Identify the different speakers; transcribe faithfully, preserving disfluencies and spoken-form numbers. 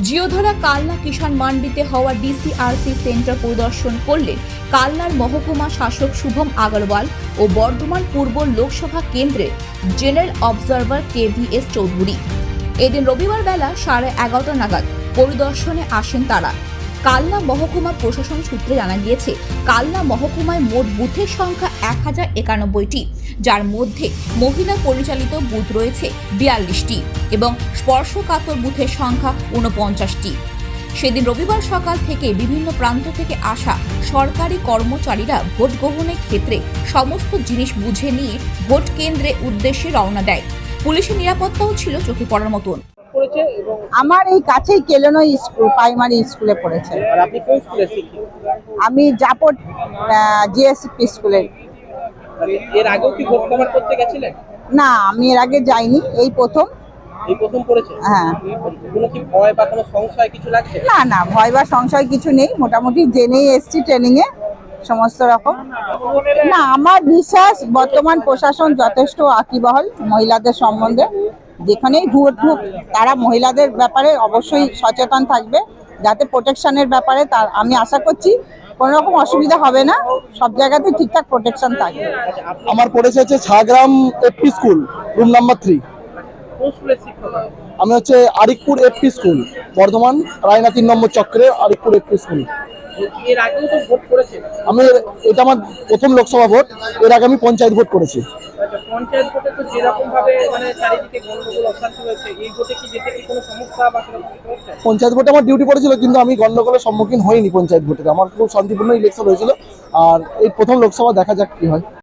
Speaker 1: জিওধরা কালনা কিষাণ মান্ডিতে হওয়া DCRC centre পরিদর্শন করলেন কালনার মহকুমা শাসক শুভম আগরওয়াল ও বর্ধমান পূর্ব লোকসভা কেন্দ্রের জেনারেল অবজারভার কেভিএস চৌধুরী। এদিন রবিবার বেলা সাড়ে এগারোটা নাগাদ পরিদর্শনে আসেন তারা। কালনা মহকুমা প্রশাসন সূত্রে জানা গিয়েছে, কালনা মহকুমায় মোট বুথের সংখ্যা এক হাজার একানব্বইটি, যার মধ্যে মহিলা পরিচালিত বুথ রয়েছে বিয়াল্লিশটি এবং স্পর্শকাতর বুথের সংখ্যা ঊনপঞ্চাশটি। সেদিন রবিবার সকাল থেকে বিভিন্ন প্রান্ত থেকে আসা সরকারি কর্মচারীরা ভোট গ্রহণের ক্ষেত্রে সমস্ত জিনিস বুঝে নিয়ে ভোট কেন্দ্রে উদ্দেশ্যে রওনা দেয়। পুলিশের নিরাপত্তাও ছিল চোখে পড়ার মতন।
Speaker 2: আমার এই কাছেই কেলনো স্কুল প্রাইমারি স্কুলে পড়েছে।
Speaker 3: আর আপনি কোন স্কুলে শিক্ষক?
Speaker 2: আমি জাপট জিএসপি স্কুলে।
Speaker 3: এর আগেও কি ভোট কভার করতে গেছিলেন?
Speaker 2: না, আমি এর আগে যাইনি, এই প্রথম।
Speaker 3: এই প্রথম করেছে?
Speaker 2: হ্যাঁ।
Speaker 3: কোনো কি ভয় বা কোনো সংশয় কিছু লাগছে?
Speaker 2: না না, ভয় বা সংশয় কিছু নেই, মোটামুটি জেনেই এসছি ট্রেনিং এ সমস্ত রকম। না, আমার বিশ্বাস বর্তমান প্রশাসন যথেষ্ট আকিবহল মহিলাদের সম্বন্ধে। যেখানেই ভোট হোক তারা মহিলাদের ব্যাপারে অবশ্যই সচেতন থাকবে, যাতে প্রোটেকশনের ব্যাপারে তার আমি আশা করছি কোনো রকম অসুবিধা হবে না, সব জায়গাতে ঠিকঠাক প্রোটেকশন থাকবে।
Speaker 4: আমার পড়েছে হচ্ছে Chhagram FP school, room number three.
Speaker 3: কোন স্কুলের শিক্ষক?
Speaker 4: আমি হচ্ছে আরিকপুর এফপি স্কুল, বর্ধমান রায়না তিন নম্বর চক্রে আরিকপুর এফপি স্কুল।
Speaker 3: এর আগেও তো ভোট করেছেন?
Speaker 4: আমি এটা আমার প্রথম লোকসভা ভোট, এর আগে আমি পঞ্চায়েত ভোট করেছি।
Speaker 3: আচ্ছা, পঞ্চায়েত ভোটে তো যেরকম ভাবে মানে চারিদিকে গন্ডগোল অশান্তি হয়েছে, এই ভোটে কি যেতে কি কোনো সমস্যা বা কোনো কিছু হয়েছে?
Speaker 4: পঞ্চায়েত ভোটে আমার ডিউটি পড়েছিল, কিন্তু আমি গন্ডগোলের সম্মুখীন হইনি পঞ্চায়েত ভোটে। আমার খুব শান্তিপূর্ণ ইলেকশন হয়েছিল। আর এই প্রথম লোকসভা, দেখা যাক কি হয়।